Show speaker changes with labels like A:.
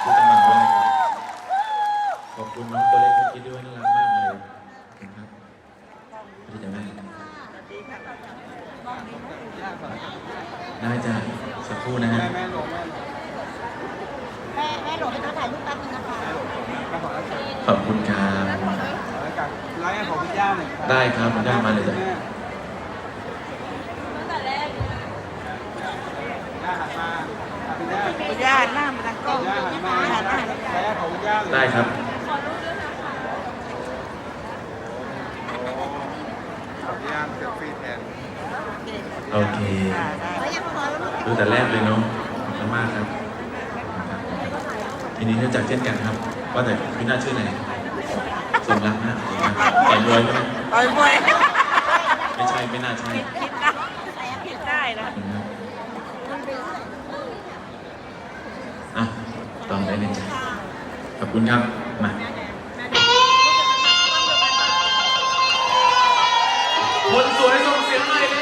A: ที่กำลังด้วยนะครับขอบคุณน้องตัวเล็กเมื่อกี้ด้วยน่ารักมากเลยนะครับพี่จะแม่ได้จ้ะสักครู่นะฮะ
B: แม่หลงให้เขาถ่ายรูปแป๊บนึงนะคะ
A: ขอบคุณครับ
B: ไลฟ์ของพี่ย่าหน่อย
A: ได้ครับคุณย่ามาเลยจ้ะ
B: พี่ย่าหน้ามันตะก้องย่าหันมาหันมาไลฟ์ของพี่ย่าเลย
A: ได้ครับ
B: พี่ย่าเซลฟี่แทน
A: โอเคดูแต่แรกเลยเนาะขอบคุณมากครับทีนี้เนื่องจากเช่นกันครับว่าแต่พี่น่าชื่ออะไรสมรักนะต่อยมวยไหม
B: ต่อยมวย
A: ไม่ใช่ไม่น่าใช่
B: ผิดได้นะ
A: อ่ะต้องได้เลยจ้ะขอบคุณครับมาคนสวยส่งเสียงหน่อยเร็